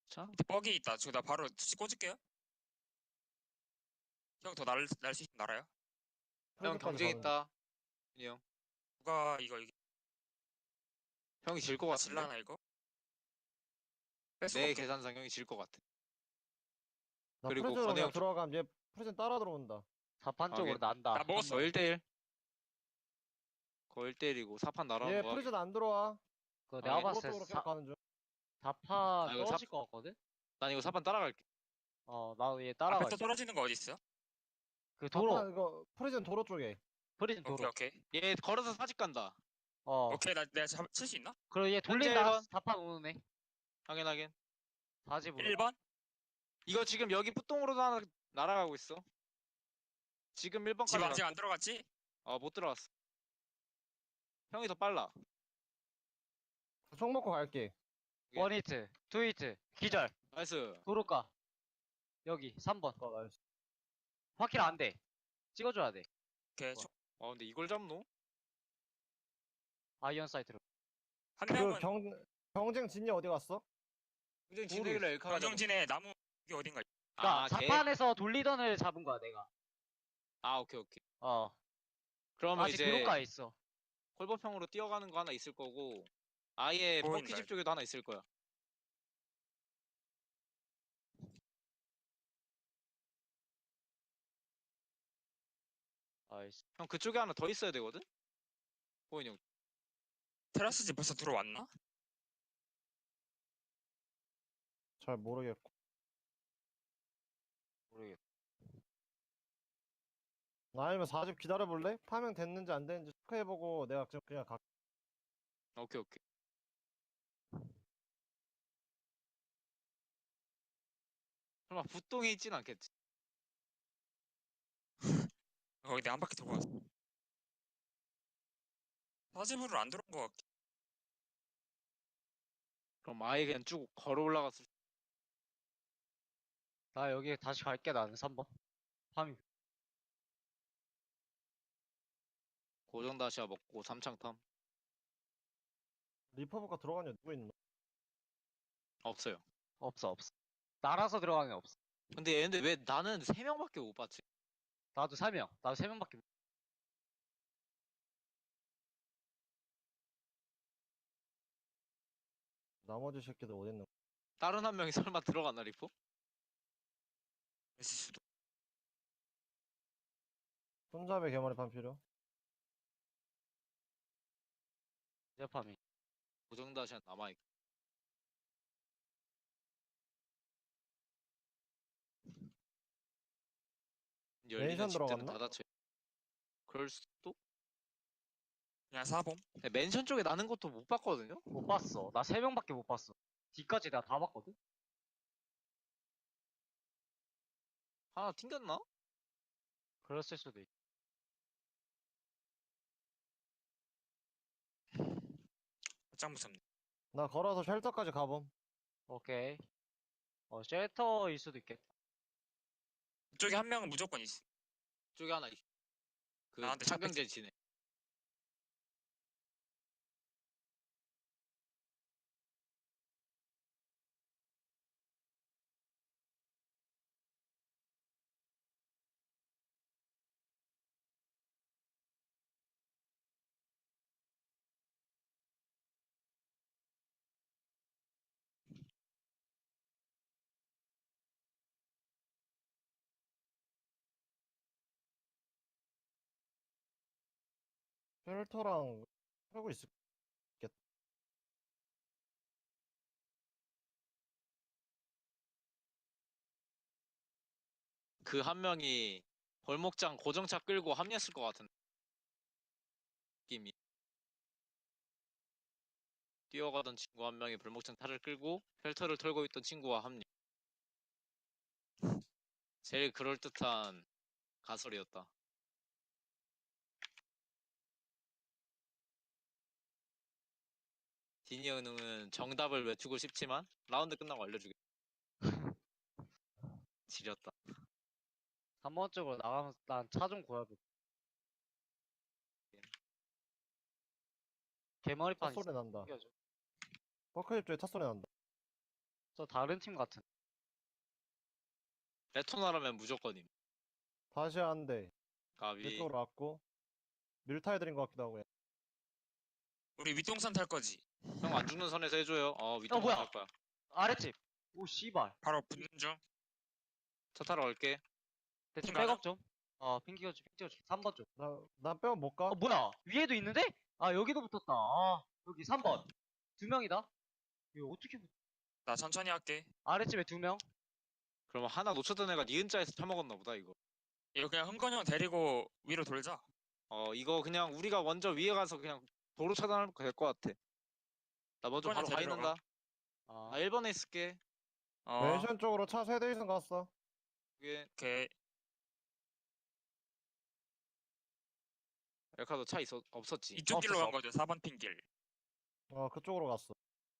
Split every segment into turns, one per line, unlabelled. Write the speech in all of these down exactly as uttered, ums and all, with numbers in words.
자,
뻑이 있다. 저 나 바로 수치 꽂을게요. 형 더 날 날 수 있으면 날아요.
형
프리즈까지
경쟁
가는 중.
있다. 준이 형.
누가 이거 이기
형이 질 것
나
같은데?
질라나 이거? 뺄 수가
내
없어.
계산상 형이 질 것 같아.
나
그리고
프리즈로
건우
그냥
형
들어가면 얘 프리즈 따라 들어온다.
사판 쪽으로
하긴.
난다.
나 먹었어.
거 일 대일. 거 일 대일이고 사판 날아오는
얘
거
프리즈
하긴.
안 들어와.
그 내가
하긴.
도로
봤을 때
쪽으로
사,
계속 가는 중.
사판
아, 이거
떨어질
사-
것 같거든?
난 이거 사판 따라갈게.
어, 나도 얘
앞에
따라가.
또 떨어지는 거 어디 있어?
그 도로,
자판 이거 프리즈는 도로 쪽에.
프리즌
오케이
도로.
오케이.
얘 걸어서 사직 간다.
어,
오케이 나 내가 칠 수 있나?
그리고 얘
현재
돌린다.
일 번.
사판 오는 애.
확인 확인.
사집으로.
일 번?
이거 지금 여기 뿌똥으로 나, 날아가고 있어. 지금 일 번까지
집 아직
갔고.
안 들어갔지?
어, 못 들어갔어. 형이 더 빨라.
총 먹고 갈게.
원 히트, 투 히트, 기절.
나이스.
도로가. 여기, 삼 번.
어, 나이스.
확킬 안 돼. 찍어줘야 돼.
오케이.
좋아.
와 근데 이걸 잡노?
아이언 사이트로.
한
그
명은
경, 경쟁 진이 어디 갔어?
굉장히
모르겠어.
진행을 엘카가 잡았어.
경정진에 나무 여기 어딘가 있-
그니까,
아, 걔?
사판에서 돌리던 애를 잡은 거야, 내가.
아 오케이 오케이.
어.
그러면
아직
이제
도로가에 있어.
콜버평으로 뛰어가는 거 하나 있을 거고 아예
보인다,
버키집 쪽에도 하나 있을 거야.
아이씨.
형 그쪽에 하나 더 있어야 되거든? 보인 형.
테라스 집 벌써 들어왔나?
잘 모르겠고.
모르겠어.
아니면 사 집 기다려볼래? 파밍 됐는지 안 됐는지 체크해보고 내가 지금 그냥 가.
오케이 오케이. 설마 부똥에 있진 않겠지?
거기 내가 한 바퀴 돌고 왔어. 사집으로 안 들어온 거 같.
그럼 아예 그냥 쭉 걸어 올라갔을 수-
나 여기 다시 갈게, 나는 삼 번. 파밍.
고정 다시야 먹고 삼창탐
리퍼브가 들어간 애 누구 있노?
없어요.
없어, 없어. 날아서 들어가는 애 없어.
근데 얘네 왜 나는 세 명밖에 못 봤지?
나도 세 명. 나도 세 명밖에 못.
나머지 새끼들 어디 있노?
다른 한 명이 설마 들어갔나 리포?
있을 수도.
손잡이 개머리판 필요?
이제 파밍.
고정 다시야 남아있고 열리는
멘션
집들은
들어갔나?
다 닫혀. 그럴 수도?
그냥 사봄.
근데 맨션 쪽에 나는 것도 못 봤거든요?
못 봤어. 나 세 명밖에 못 봤어. 뒤까지 내가 다 봤거든?
하나 튕겼나?
그랬을 수도 있.
짱 무섭네.
나 걸어서 쉘터까지 가봄.
오케이. 어, 쉘터일 수도 있겠다.
이쪽에 한 명은 무조건 있어.
쪽에 하나 있. 그
나한테
차경제 지네.
쉘터랑 하고 있을.
그 한 명이 벌목장 고정차 끌고 합류했을 것 같은 느낌이. 뛰어가던 친구 한 명이 벌목장 탈을 끌고 펠터를 털고 있던 친구와 합류. 제일 그럴듯한 가설이었다. 디니 은웅은 정답을 외치고 싶지만 라운드 끝나고 알려주겠다. 지렸다.
삼 번 쪽으로 나가면서 난 차 좀 구해볼게. 개머리판
차 소리 난다.
있어.
버크집 쪽에 차 소리 난다.
저 다른 팀 같은.
레토나라면 무조건임.
다시 한대.
가비.
이쪽으로 왔고. 밀타해드린 것 같기도 하고.
우리 윗동산 탈 거지.
형 안 죽는 선에서 해줘요. 어 윗동
뭐야?
갈 거야.
아랫집. 오 씨발.
바로 붙는 중.
차 타러 갈게.
대충
가자.
백업 좀. 어 핑 찍어줘 핑 찍어줘. 삼 번 좀.
나, 난 빼면 못 가.
어 뭐야? 위에도 있는데? 아 여기도 붙었다. 아 여기 삼 번. 두 명이다. 이거 어떻게 붙...
나 천천히 할게.
아랫집에 두 명.
그럼 하나 놓쳤던 애가 니은자에서 타먹었나 보다 이거.
이거 그냥 흥건이 형 데리고 위로 돌자.
어 이거 그냥 우리가 먼저 위에 가서 그냥 도로 차단하면 될 것 같아. 나 먼저 바로
이번엔
가
데리러
있는다.
아
아 일 번에 있을게.
어.
멘션 쪽으로 차 세 대 이상 갔어.
이게
오케이.
엘카도 차 있어 없었지.
이쪽 길로
없었어.
간 거죠. 사 번 핀 길.
어, 그쪽으로 갔어.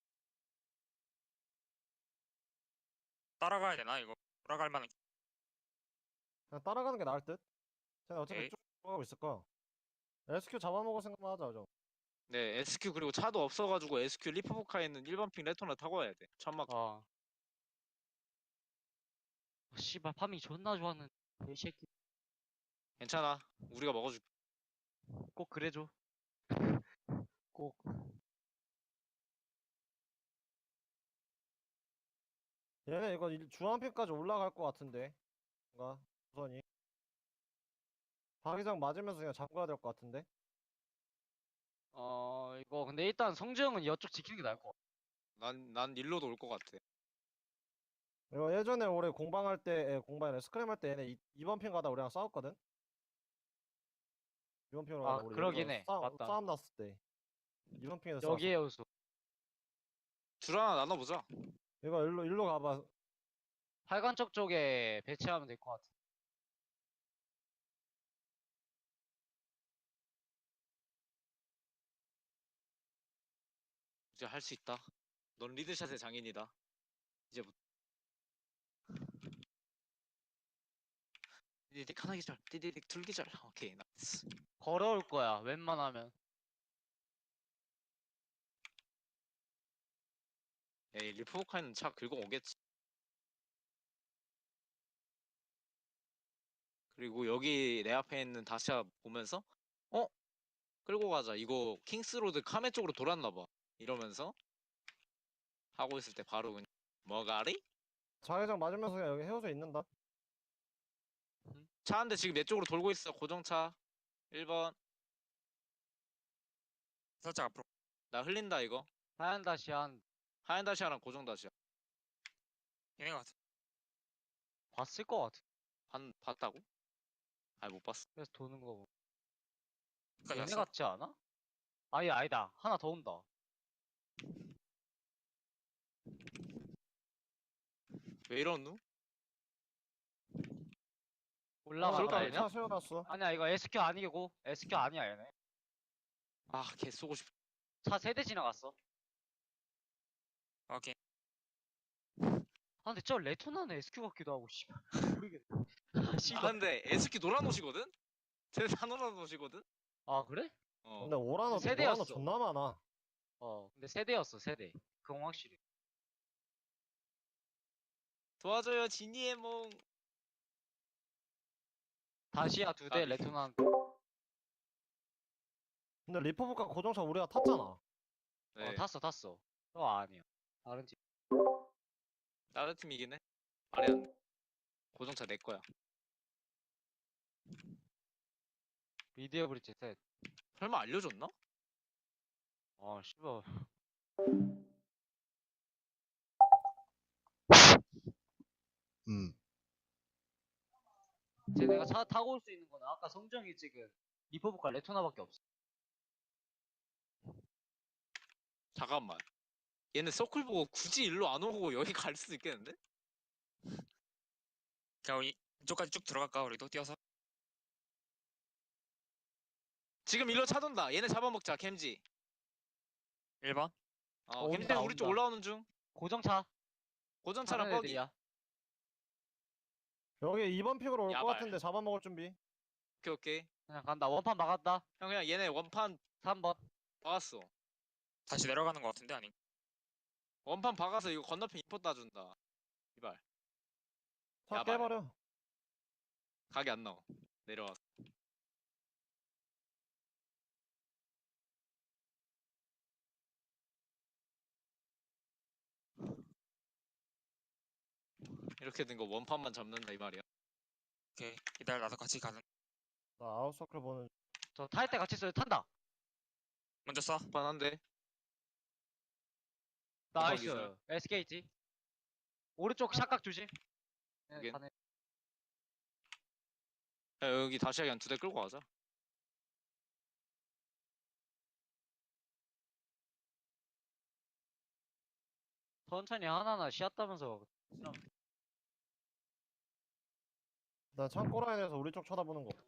따라가야 되나 이거? 돌아갈 만한.
그냥 따라가는 게 나을 듯? 쟤네 어차피
오케이.
쭉 가고 있을 거야. 에스큐 잡아먹을 생각만 하자, 좀.
네 에스큐 그리고 차도 없어가지고 에스큐 리프부카에 있는 일 번 핑 레토나 타고 와야 돼. 천막.
어. 아, 씨발 파밍 존나 좋았는데 이 새끼
괜찮아. 우리가 먹어줄게.
꼭 그래줘. 꼭.
얘네 이거 일- 주황핀까지 올라갈 것 같은데. 뭔가, 우선이. 자기장 맞으면서 그냥 잠가야 될 것 같은데.
어 이거 근데 일단 성주형은 이쪽 지키는 게 나을 것 같아.
난 난 일로도 올 것 같아.
이거 예전에 우리 공방할 때, 에, 공방이래 스크램 할 때 얘네 이 번 핀 가다 우리랑 싸웠거든? 이 번 핀으로
아,
가다 우리
그러긴
여기서
해.
싸움,
맞다.
싸움 났을 때. 이 번 핀에서 싸웠어.
여기에 요소.
줄 하나 나눠보자.
이거 일로, 일로 가봐.
팔관적 쪽에 배치하면 될 것 같아.
이제 할 수 있다. 넌 리드샷의 장인이다. 이제부터. 디디딕 하나 기절. 디디딕 둘 기절. 오케이 나이스.
걸어올 거야. 웬만하면.
에이 리프부카에는 차 긁어 오겠지. 그리고 여기 내 앞에 있는 다시아 보면서 어? 끌고 가자. 이거 킹스로드 카메 쪽으로 돌았나 봐. 이러면서 하고 있을 때 바로 그냥 뭐가리?
자기장 맞으면서 그냥 여기 헤어져 있는다.
차 한 대 지금 내 쪽으로 돌고 있어. 고정차 일 번.
살짝 앞으로.
나 흘린다 이거.
하얀 다시 한
하얀 다시아랑 고정 다시아.
얘네 같아.
봤을 것 같아.
반 봤다고? 아니 못 봤어.
그래서 도는 거고.
여기까지
얘네
왔어.
같지 않아? 아니 아니다. 하나 더 온다.
왜 이러누?
올라갔다
그럴까,
얘네?
차 세워놨어.
아니야 이거 에스큐 아니고 에스큐 아니야 얘네.
아 개 쏘고 싶.
차 세 대 지나갔어.
오케이.
아 근데 저 레토나는 에스큐 같기도 하고 씨발 모르겠네. 아
아
씨발.
근데 에스키 노란 옷이거든? 쟤네 다 노란 옷이거든?
아 그래?
어.
근데 오라노, 오라노
세대였어.
존나 많아.
어 근데 세 대였어 세 대. 그건 확실히.
도와줘요 지니의 몽.
다시야 두 대,
아,
레토나 한
근데 리퍼브카 고정차 우리가 탔잖아.
네.
어 탔어 탔어. 저 아니야. 다른 팀.
다른 팀이긴 해. 말이 안 돼. 고정차 내 거야.
미디어 브릿지 셋.
설마 알려줬나?
아 씨발.
음.
이제 내가 차 타고 올 수 있는 거는 아까 성정이 찍은 리퍼브카 레토나밖에 없어.
잠깐만. 얘네 서클 보고 굳이 일로 안 오고 여기 갈 수도 있겠는데?
그냥 이- 이쪽까지 쭉 들어갈까 우리도 뛰어서.
지금 일로 차돈다. 얘네 잡아먹자 캠지.
일 번.
어,
어,
캠지는
온다,
우리 쪽
온다.
올라오는 중.
고정차.
고정차랑
다른
뻑이.
애들이야.
여기 이 번 픽으로 올 것
야발.
같은데 잡아먹을 준비.
오케이 오케이.
그냥 간다. 원판 막았다.
형 그냥 얘네 원판
삼 번.
박았어.
다시 내려가는 거 같은데 아니?
원판 박아서 이거 건너편 인포 따준다. 이발.
차
야발.
깨버려.
각이 안 나와. 내려와서. 이렇게 된 거 원판만 잡는다 이 말이야.
오케이. 이달 나도 같이 가는.
나 아웃서클 보는.
저 탈 때 같이 써요. 탄다.
먼저 써.
원판 한대.
나이스.
기절.
에스케이지. 오른쪽 샷각 조심. 네,
여긴.
가네.
야, 여기 다시 그냥 두 대 끌고 가자.
천천히 하나하나 쉬었다면서.
나 창고 라인에서 우리 쪽 쳐다보는 거.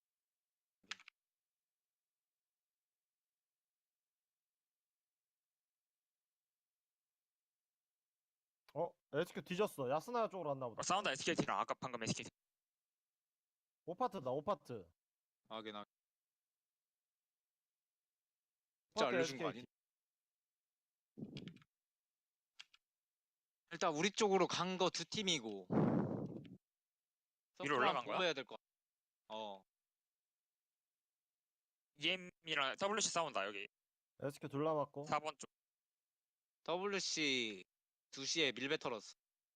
어? 에스큐 뒤졌어. 야스나야 쪽으로 왔나 보다.
어, 사운드 에스케이티랑 아까 방금 에스케이티.
오 파트다. 오 파트.
하긴 하긴. 진짜
파트
알려준 거
에스케이티.
아니? 일단 우리 쪽으로 간 거 두 팀이고.
위로 올라간 거야?
해야 될 거. 어.
이엠이랑 더블유씨 싸운다 여기.
에스큐 둘 남았고.
사 번 쪽.
더블유씨 두 시에 밀베 털었어.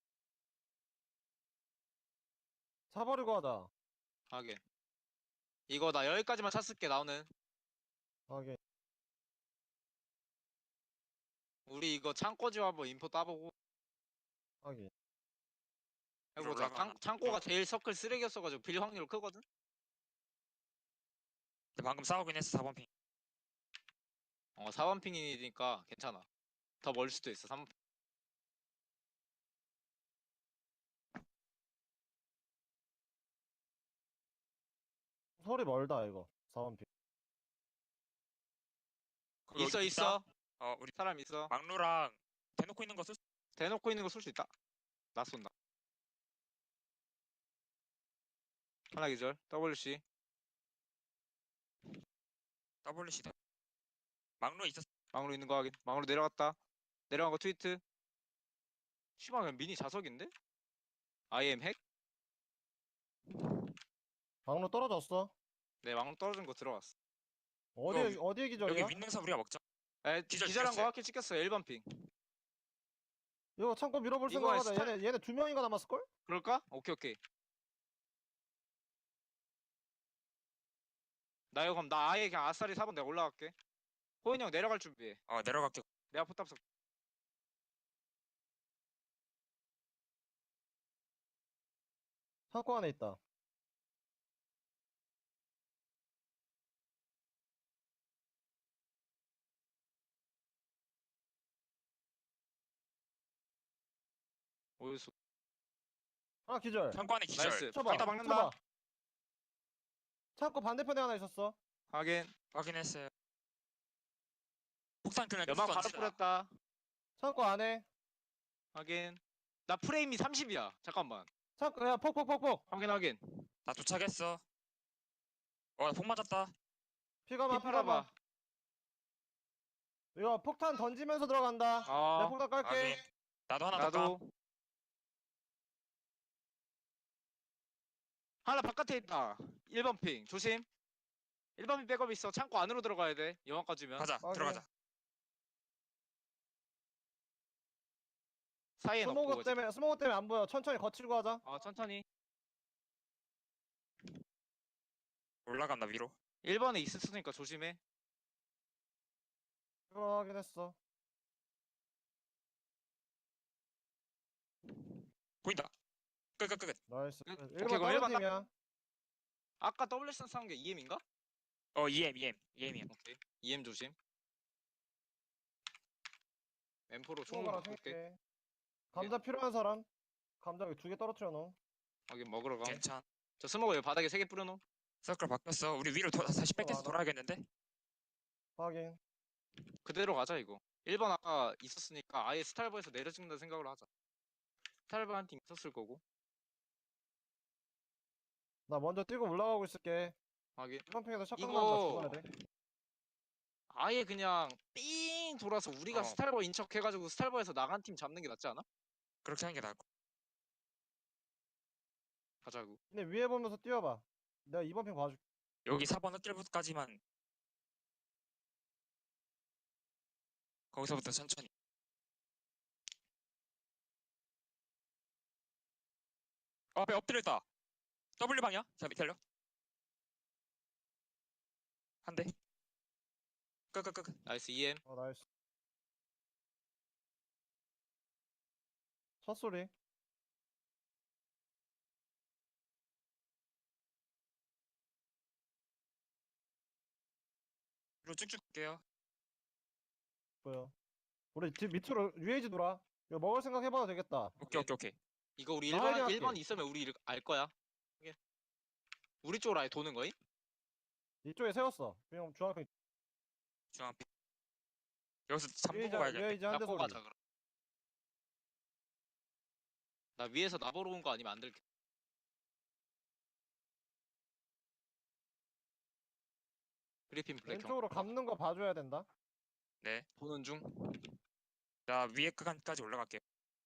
사버리고 하자.
하긴. 이거 나 여기까지만 찼을게 나오는.
하긴.
우리 이거 창고지와 한번 인포 따보고
하긴.
해보자.
올라가는
창, 창고가 제일 서클 쓰레기였어가지고 빌 확률 크거든?
근데 방금 싸우긴 했어 사 번 핑.
어, 사 번 핑이니까 괜찮아. 더 멀 수도 있어, 삼 번 핑.
소리 멀다 이거. 사번 픽.
그거
있어,
있다?
있어.
어 우리
사람 있어.
막루랑 대놓고 있는 거 쓸. 수-
대놓고 있는 거 쏠 수 있다. 나 쏜다. 하나 기절. 더블유씨.
더블유씨 대. 막루 있었어.
망으로 있는 거 확인. 망으로 내려갔다. 내려간 거 트위트. 씨발, 그냥 미니 자석인데? 아이엠 핵?
방로 떨어졌어.
네, 망으로 떨어진 거 들어갔어.
어디에
이거
어디에 기절이야?
여기 윈능선 우리가 먹자.
에,
기절
기절한 거
찍혔어요.
확실히 찍혔어요. 일 번 핑.
이거 창고 밀어볼
이거
생각하자.
스타-
얘네 얘네 두 명인가 남았을 걸?
그럴까? 오케이, 오케이. 나 이거 그럼 나 아예 그냥 아싸리 사 번 내가 올라갈게. 호인이 형 내려갈 준비해.
어 내려갈게.
내가 포탑 쏠.
창고 안에 있다.
오유수.
하나 기절.
창고 안에 기절.
나이스.
쳐봐.
여기다 박는다.
쳐봐. 창고 반대편에 하나 있었어.
하긴.
확인했어요. 폭탄 그냥
연막
계속
바로
던지자.
뿌렸다.
창고 안에.
하긴. 나 프레임이 삼십이야. 잠깐만.
창고 야 폭폭폭폭.
확인 확인.
나 도착했어. 어폭 맞았다.
피가마
피 팔아봐.
피가마. 이거 폭탄 던지면서 들어간다. 내가
어.
폭탄 깔게.
확인. 나도 하나 더 까.
나도. 하나 바깥에 있다. 일 번 핑. 조심. 일 번 핑 백업 있어. 창고 안으로 들어가야 돼. 영화까지면.
가자.
확인.
들어가자.
사이에 넣고.
스모그 때문에 스모그 때문에 안 보여. 천천히 거칠고 하자.
어, 천천히.
올라간다 위로.
일 번에 있었으니까 조심해.
이거 확인했어.
보인다. 끝끝끝.
나이스.
그-
일
오케이,
번
그럼 일
다른
번
팀이야.
아까 더블유씨 싸운 게 이엠인가?
어 이엠 이엠 이엠이야.
오케이. 이엠 조심. 엠포로 총으로
스모그랑
바꿀게.
생각해. 감자 필요한 사람? 감자 여기 두 개 떨어뜨려 놓어.
확인 먹으러 가.
괜찮.
저 스모그 여기 바닥에 세 개 뿌려놓.
서클 바뀌었어. 우리 위로 도, 다시 백해서
맞아.
돌아야겠는데?
확인.
그대로 가자 이거. 일 번 아까 있었으니까 아예 스탈버에서 내려 찍는다 생각으로 하자. 스탈버 한 팀 있었을 거고.
나 먼저 뛰고 올라가고 있을게.
하긴.
이번 팽에서 샷건
이거-
간다. 죽어야 돼.
아예 그냥 삥 돌아서 우리가
어.
스탈버 인척해가지고 스탈버에서 나간 팀 잡는 게 낫지 않아?
그렇게 하는 게 나을 거.
가자고.
근데 위에 보면서 뛰어봐. 내가 이번 핑 봐줄게.
여기 사 번 흑길부터까지만 거기서부터 천천히. 어, 앞에 엎드렸다. W 방이야? 자, 밑에 달려. 한 대. 끄끄끄.
나이스 이엠.
어 나이스. 첫 소리.
위로 쭉쭉 갈게요.
보여. 우리 집 밑으로 유에이지 돌아. 이거 먹을 생각 해봐도 되겠다.
오케이 오케이 오케이.
이거 우리
나
1번
확인할게.
일 번 있으면 우리 일- 알 거야. 오케이. 우리 쪽으로 아예 도는 거임?
이쪽에 세웠어. 그냥 중앙평
중앙. 여기서 잠보고
유에이지
가야겠네.
유에이지 한 대
잡고
소리.
가자 그럼. 나 위에서 나보러 온 거 아니면 안 들게. 그리핀 블랙 형.
왼쪽으로 감는 거 봐줘야 된다.
네.
보는 중.
자, 위에 구간까지 올라갈게요.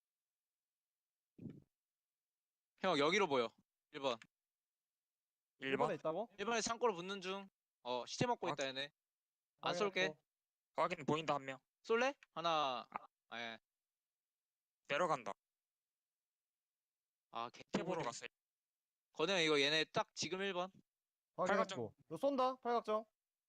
형 여기로 보여. 일 번.
일
일 번에
번.
있다고?
일 번에 창고로 붙는 중. 어 시체 먹고 있다 얘네. 안 쏠게.
확인했고.
확인 보인다 한 명.
쏠래? 하나. 아, 예.
내려간다.
아
태
개피
보러
보러.
갔어요.
건우 형 이거 얘네 딱 지금 일 번.
확인했고. 너 쏜다. 팔각정.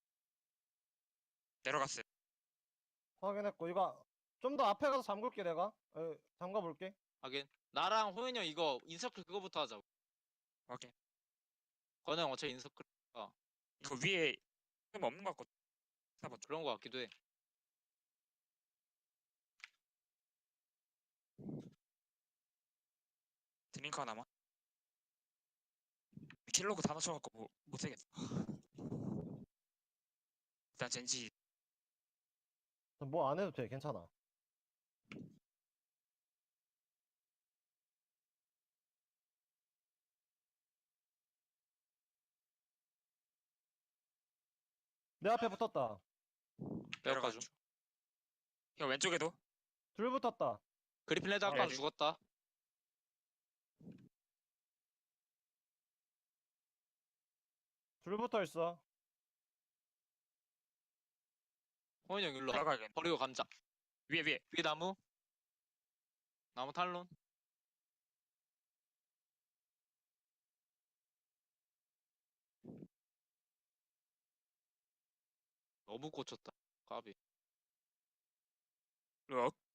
내려갔어요.
확인했고. 이거 좀 더 앞에 가서 잠글게 내가. 에, 잠가 볼게.
하긴. 나랑 호연이 형 이거 인서클 그거부터 하자.
확인.
건우 형 어차피 인서클
이거 위에 흠 없는 것 같거든. 사 번 쪽.
그런 거 같기도 해.
드링크 하나만. 킬로그 다 넣어갖고 뭐, 못하겠다. 일단 젠지
뭐 안 해도 돼. 괜찮아. 내 앞에 붙었다.
빼앗가
내려가
좀.
줘. 이거 왼쪽에도
둘 붙었다.
그리핀 레드 아까
네.
죽었다.
둘 붙어 있어.
호연이 형 일로 와.
올라가야겠네.
버리고 감자.
위에 위에.
위에 나무. 나무 탈론. 너무 꽂혔다. 까비.
럭.